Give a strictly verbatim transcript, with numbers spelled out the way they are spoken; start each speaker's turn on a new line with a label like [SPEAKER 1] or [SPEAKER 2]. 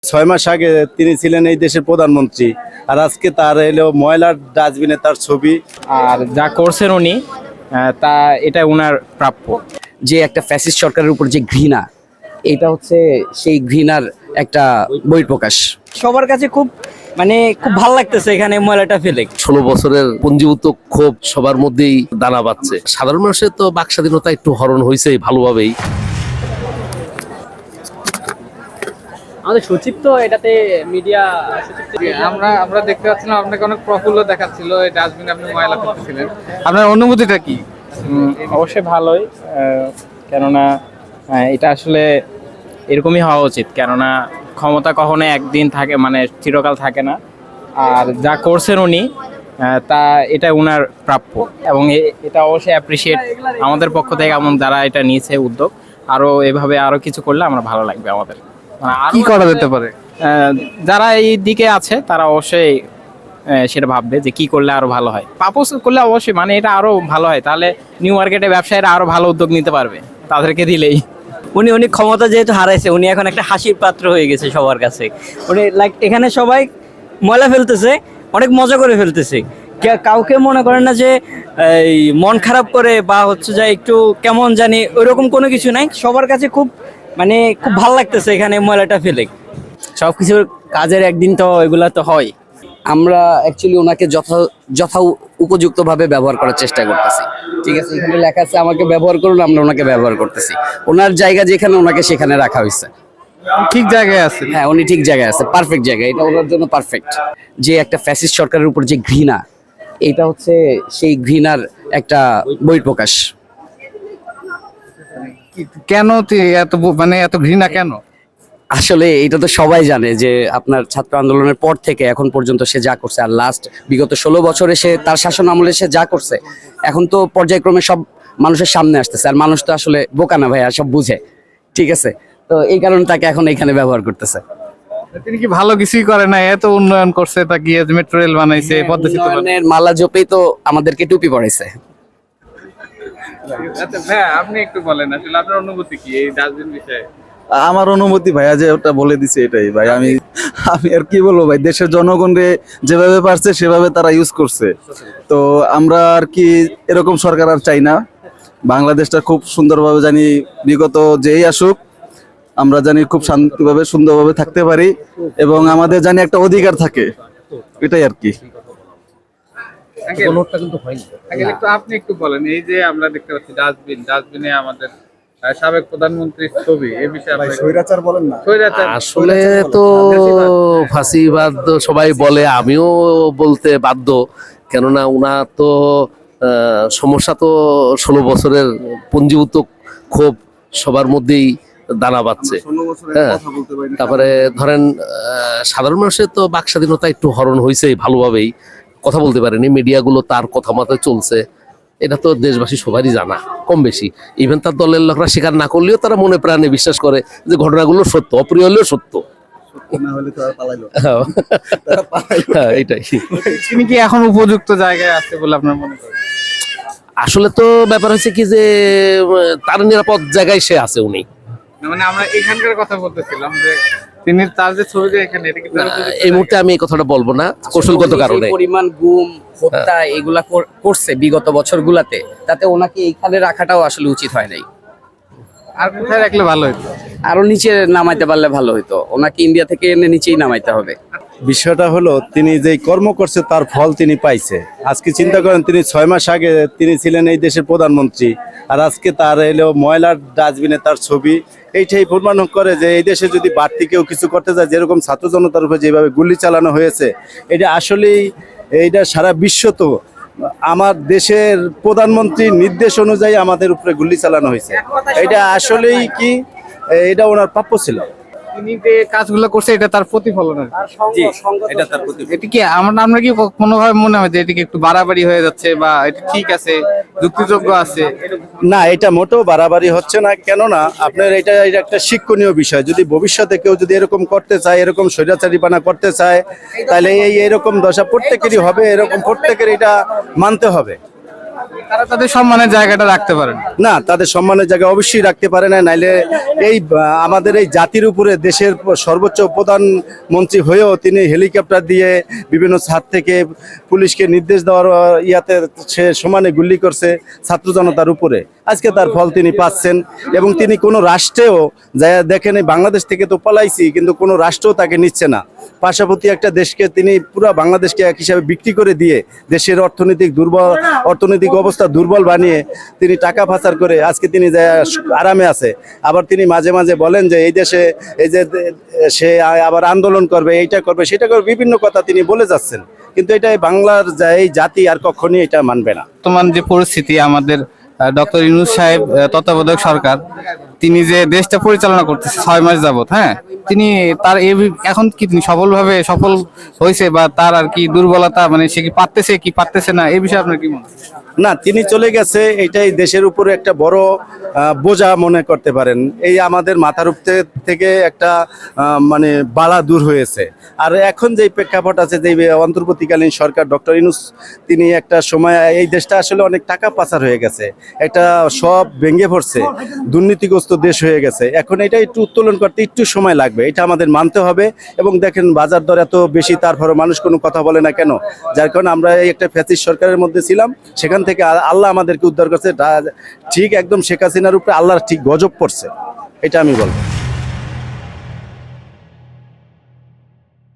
[SPEAKER 1] ছয় মাস আগে তিনি ছিলেন এই দেশের প্রধানমন্ত্রী, আর আজকে তার এলো ময়লার ডাস্টবিনে তার ছবি।
[SPEAKER 2] আর যা করছেন উনি আহ, তা এটা উনার প্রাপ্য।
[SPEAKER 3] যে একটা ফ্যাসিস্ট সরকারের উপর যে ঘৃণা, এটা হচ্ছে সেই ঘৃণার একটা বহিঃপ্রকাশ।
[SPEAKER 4] সবার কাছে খুব মানে খুব ভালো লাগতেছে এখানে ময়লাটা ফেলে।
[SPEAKER 5] ষোলো বছরের পঞ্জীভূত ক্ষোভ সবার মধ্যেই দানা বাঁধছে। সাধারণ মানুষের তো বাক স্বাধীনতা একটু হরণ হয়েছে ভালোভাবেই।
[SPEAKER 2] আমাদের সচিব তো এটাতে মিডিয়া
[SPEAKER 6] আমরা আমরা দেখতে পাচ্ছিলাম আপনাকে অনেক প্রফুল্ল দেখাচ্ছিল, এই ডাস্টবিনে আপনি ময়লা ফেলতেছিলেন। আপনার অনুভূতিটা কি?
[SPEAKER 2] অবশ্যই ভালোই, আহ, কেননা আহ, এটা আসলে এরকমই হওয়া উচিত। কেননা ক্ষমতা কখনো একদিন থাকে, মানে চিরকাল থাকে না। আর যা করছেন উনি আহ, তা এটা উনার প্রাপ্য, এবং এ- এটা অবশ্যই অ্যাপ্রিসিয়েট আমাদের পক্ষ থেকে, এমন যারা এটা নিয়েছে উদ্যোগ। আরো এভাবে আরো কিছু করলে আমরা ভালো লাগবে আমাদের। মানে আরো
[SPEAKER 6] কি করা যেতে পারে?
[SPEAKER 2] আহ, যারা এই দিকে আছে তারা অবশ্যই আহ, সেটা ভাববে যে কি করলে আরো ভালো হয়। পাপোস করলে অবশ্যই মানে এটা আরো ভালো হয়, তাহলে নিউ মার্কেটে ব্যবসায়ীরা আরো ভালো উদ্যোগ নিতে পারবে তাদেরকে দিলেই।
[SPEAKER 4] উনি উনি ক্ষমতা যেহেতু হারাইছে, উনি এখন একটা হাসির পাত্র হয়ে গেছে সবার কাছে। উনি লাইক এখানে সবাই ময়লা ফেলতেছে, অনেক মজা করে ফেলতেছে। কে- কাউকে মনে করেন না যে এই মন খারাপ করে বা হচ্ছে যে একটু কেমন জানি ওইরকম কোনো কিছু নাই। সবার কাছে খুব মানে খুব ভালো লাগতেছে এখানে ময়লাটা ফেলে। সব কিছুর কাজের একদিন তো এগুলা তো হয়।
[SPEAKER 3] আমরা অ্যাকচুয়ালি ওনাকে যথা যথা উপযুক্তভাবে ব্যবহার করার চেষ্টা করতেছি। ঠিক আছে, এখানে লেখা আছে আমাকে ব্যবহার করুন, আমরা ওনাকে ব্যবহার করতেছি। ওনার জায়গা যেখানে, ওনাকে সেখানে রাখা হয়েছে।
[SPEAKER 6] ঠিক জায়গায় আছে।
[SPEAKER 3] হ্যাঁ, উনি ঠিক জায়গায় আছে, পারফেক্ট জায়গায়, এটা ওনার জন্য পারফেক্ট। যে একটা ফ্যাসিস্ট সরকারের উপর যে ঘৃণা, এটা হচ্ছে সেই ঘৃণার একটা বহিঃপ্রকাশ।
[SPEAKER 6] কেন তি- এত ব- মানে এত ঘৃণা কেন?
[SPEAKER 3] আসলে এটা তো সবাই জানে যে আপনার ছাত্র আন্দোলনের পর থেকে এখন পর্যন্ত সে যা করছে, আর লাস্ট বিগত ষোলো বছরে সে তার শাসন আমলে সে যা করছে, এখন তো পর্যায়ক্রমে সব মানুষের সামনে আসতেছে। আর মানুষ তো আসলে বোকা না ভাইয়া, সব বুঝে। ঠিক আছে, তো এই কারণে তাকে এখন এখানে ব্যবহার করতেছে।
[SPEAKER 6] তিনি কি ভালো কিছুই করে না? এত উন্নয়ন করছে, তা গিয়ে মেট্রো রেল বানাইছে, পদ্মা সেতু বানাইছে।
[SPEAKER 3] উন্নয়নের মালা জপেই তো আমাদেরকে টুপি পড়াইছে।
[SPEAKER 6] আচ্ছা ভাইয়া, আপনি একটু বলেন আসলে আপনার অনুভূতি কি এই ডাস্টবিন বিষয়ে?
[SPEAKER 1] আমার অনুমতি ভাইয়া যে ওটা বলে দিছে এটাই ভাই। আমি আমি আর কি বলবো ভাই, দেশের জনগণরে যেভাবে পারছে সেভাবে তারা ইউজ করছে। তো আমরা আর কি এরকম সরকার আর চাই না। বাংলাদেশটা খুব সুন্দরভাবে জানি, বিগত যেই আসুক আমরা জানি খুব শান্তিভাবে সুন্দরভাবে থাকতে পারি, এবং আমাদের জানি একটা অধিকার থাকে, এটাই আর কি।
[SPEAKER 6] আঙ্কেল, আঙ্কেল, একটু আপনি একটু বলেন, এই যে আমরা দেখতে পাচ্ছি ডাস্টবিন, ডাস্টবিনে আমাদের আহ, সাবেক প্রধানমন্ত্রীর ছবি, এই বিষয়ে আপনি
[SPEAKER 1] স্বৈরাচার বলেন না,
[SPEAKER 6] স্বৈরাচার।
[SPEAKER 5] আসলে তো ফাঁসিবাদ সবাই বলে, আমিও বলতে বাধ্য। কেননা উনার তো আহ, সমস্যা তো ষোলো বছরের পঞ্জীভূত ক্ষোভ সবার মধ্যেই দানা বাঁধছে। হ্যাঁ, তারপরে ধরেন আহ, সাধারণ মানুষের তো বাক স্বাধীনতা একটু হরণ হয়েছে ভালোভাবেই, কথা বলতে পারেনি। মিডিয়াগুলো তার কথা মতো চলছে, এটা তো দেশবাসী সবারই জানা কম বেশি। ইভেন তার দলের লোকরা স্বীকার না করলেও তারা মনে প্রাণে বিশ্বাস করে যে ঘটনাগুলো সত্য, অপ্রিয় হলেও সত্য। হ্যাঁ, এটাই।
[SPEAKER 6] তিনি কি এখন উপযুক্ত জায়গায় আছে বলে আপনার মনে করেন?
[SPEAKER 5] আসলে তো ব্যাপার হচ্ছে কি যে উম, তার নিরাপদ জায়গায় সে আছে উনি।
[SPEAKER 6] না, মানে আমরা এখানকার কথা বলতেছিলাম যে তিনি তার যে ছবি যে এখানে, এটা কি তার
[SPEAKER 5] না,
[SPEAKER 6] উপযুক্ত
[SPEAKER 5] এই মুহূর্তে আমি এই কথাটা বলবো না কৌশলগত
[SPEAKER 3] উনি
[SPEAKER 5] কারণে।
[SPEAKER 3] যে পরিমাণ গুম, হত্যা এগুলা কর- করছে বিগত বছরগুলাতে, তাতে ওনাকে এইখানে রাখাটাও আসলে উচিত হয় নাই।
[SPEAKER 6] আর কোথায় রাখলে ভালো হতো?
[SPEAKER 3] আরো নিচে নামাইতে পারলে ভালো হতো। ওনাকে ইন্ডিয়া থেকে এনে নিচেই নামাইতে হবে।
[SPEAKER 1] বিষয়টা হলো তিনি যেই কর্ম করছে তার ফল তিনি পাইছে। আজকে চিন্তা করেন, তিনি ছয় মাস আগে তিনি ছিলেন এই দেশের প্রধানমন্ত্রী, আর আজকে তার এলো ময়লার ডাস্টবিনে তার ছবি। এইটাই প্রমাণ করে যে এই দেশে যদি বাড়তি কেউ কিছু করতে যায়, যেরকম ছাত্র জনতার উপরে যেভাবে গুলি চালানো হয়েছে, এটা আসলেই এইটা সারা বিশ্ব তো আমার দেশের প্রধানমন্ত্রীর নির্দেশ অনুযায়ী আমাদের উপরে গুলি চালানো হয়েছে। এটা আসলেই কি এটা ওনার প্রাপ্য ছিল।
[SPEAKER 6] তিনি যে কাজগুলো করছে এটা তার প্রতিফলন আর কি।
[SPEAKER 1] জি, এটা তার প্রতি।
[SPEAKER 6] এটা কি আমরা আমরা কি কোনোভাবে মনে হয় যে এটা কি একটু বাড়াবাড়ি হয়ে যাচ্ছে, বা এটা ঠিক আছে, যুক্তিযোগ্য আছে?
[SPEAKER 1] না, এটা মোটেও বাড়াবাড়ি হচ্ছে না। কেননা আপনার এটা এটা একটা শিক্ষণীয় বিষয়। যদি ভবিষ্যতে কেউ যদি এরকম করতে চায়, এরকম স্বৈরাচারীপানা করতে চায়, তাহলে এই এরকম দশা প্রত্যেকেরই হবে, এরকম প্রত্যেকের এটা মানতে হবে।
[SPEAKER 6] তারা তাদের সম্মানের জায়গাটা রাখতে পারেন।
[SPEAKER 1] না, তাদের সম্মানের জায়গা অবশ্যই রাখতে পারে না, নাইলে এই আহ, আমাদের এই জাতির উপরে দেশের সর্বোচ্চ প্রধানমন্ত্রী হয়েও তিনি হেলিকপ্টার দিয়ে বিভিন্ন ছাদ থেকে পুলিশকে নির্দেশ দেওয়ার আহ, ইয়াতে সে সমানে গুলি করছে ছাত্র জনতার উপরে। আজকে তার ফল তিনি পাচ্ছেন এবং তিনি কোনো রাষ্ট্রেও যা দেখেন এই বাংলাদেশ থেকে তো পালাইছি, কিন্তু কোনো রাষ্ট্রও তাকে নিচ্ছে না। পার্শ্ববর্তী একটা দেশকে তিনি পুরো বাংলাদেশকে এক হিসাবে বিক্রি করে দিয়ে দেশের অর্থনৈতিক দুর্বল অর্থনৈতিক অবস্থা দুর্বল বানিয়ে তিনি টাকা পাচার করে আজকে তিনি যে আরামে আছে। আবার তিনি মাঝে মাঝে বলেন যে এই দেশে এই যে সে আবার আন্দোলন করবে, এইটা করবে, সেটা করবে, বিভিন্ন কথা তিনি বলে যাচ্ছেন, কিন্তু এটা বাংলার যা- এই জাতি আর কখনই এটা মানবে না।
[SPEAKER 6] বর্তমান যে পরিস্থিতি, আমাদের ডক্টর ইউনূস সাহেব আহ, তত্ত্বাবধায়ক সরকার, তিনি যে দেশটা পরিচালনা করতেছে ছয় মাস যাবত, হ্যাঁ, তিনি তার এই এখন কি তিনি সফলভাবে সফল হয়েছে, বা তার আর কি দুর্বলতা, মানে সে কি পারতেছে কি পারতেছে না, এই বিষয়ে আপনার কি মনে হয়?
[SPEAKER 1] না, তিনি চলে গেছে, এটাই দেশের উপরে একটা বড় আহ, বোঝা মনে করতে পারেন। এই আমাদের মাথার উপরে থেকে একটা আহ, মানে বাড়া দূর হয়েছে। আর এখন যে প্রেক্ষাপট আছে, যে অন্তর্বর্তীকালীন সরকার ডক্টর ইউনূস, তিনি একটা সময় এই দেশটা আসলে অনেক টাকা পাচার হয়ে গেছে, একটা সব ভেঙে পড়ছে, দুর্নীতিগ্রস্ত দেশ হয়ে গেছে। এখন এটা একটু উত্তোলন করতে একটু সময় লাগবে, এটা আমাদের মানতে হবে। এবং দেখেন বাজার দর এত বেশি, তারপরে মানুষ কোনো কথা বলে না কেন? যার কারণে আমরা এই একটা ফ্যাসিস্ট সরকারের মধ্যে ছিলাম, সেখান থেকে আ- আল্লাহ আমাদেরকে উদ্ধার করছে। তা- ঠিক একদম শেখ হাসিনার উপরে আল্লাহর ঠিক গজব পড়ছে, এটা আমি বলবো।